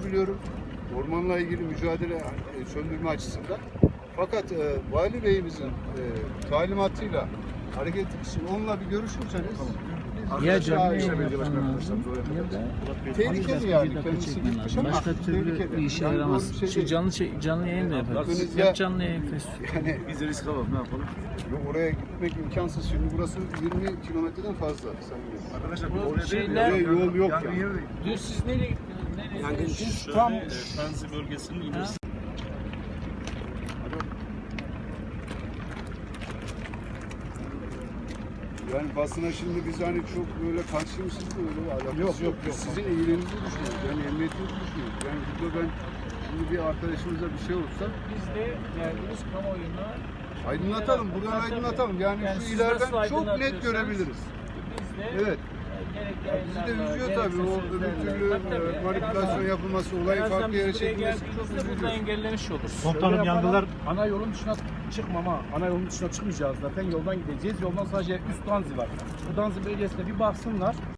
biliyorum. Ormanla ilgili mücadele söndürme açısından. Fakat Vali Bey'imizin talimatıyla hareket etmek onunla bir görüşürseniz Ya canlı işte yayın belediye başkanı yapman lazım ya da tehlikeli yani kendisi çekmen gitmiş lazım. ama Başka türlü tehlikeli. bir işe Yani yaramaz. doğru bir şey Şu değil. canlı yayın da yaparız. Aklınızda- Yap canlı yayın Facebook. Yani Biz de risk alalım, ne yapalım? oraya gitmek imkansız. Şimdi burası 20 kilometreden fazla. Arkadaşlar Bu oraya şeyler- değil, Yol yok yangın yani. yeri değil. Dün siz nereye gittiniz? Nereye? Biz tam Tanzi bölgesinin ilerisi. Yani basına şimdi biz hani çok böyle karşıymışız da öyle alakası yok. Biz sizin iyiliğinizi düşünüyoruz. Yani emniyetinizi düşünüyoruz. Yani burada ben şimdi bir arkadaşımıza bir şey olursa Biz de verdiğimiz kamuoyuna aydınlatalım. Buradan aydınlatalım. Yani, Yani şu siz ileriden nasıl çok net aydınlatıyorsanız görebiliriz. biz de Evet. Bizi de üzüyor tabii. O öbür türlü manipülasyon yapılması, olayı farklı yere çekilmesi çok burada üzücü. engellemiş oluruz. Komutanım yangınlar ana yolun dışına çıkmam ha. Ana yolun dışına çıkmayacağız zaten. Yoldan gideceğiz. Yoldan sadece üst Danzi var. Bu Danzi bölgesine bir baksınlar.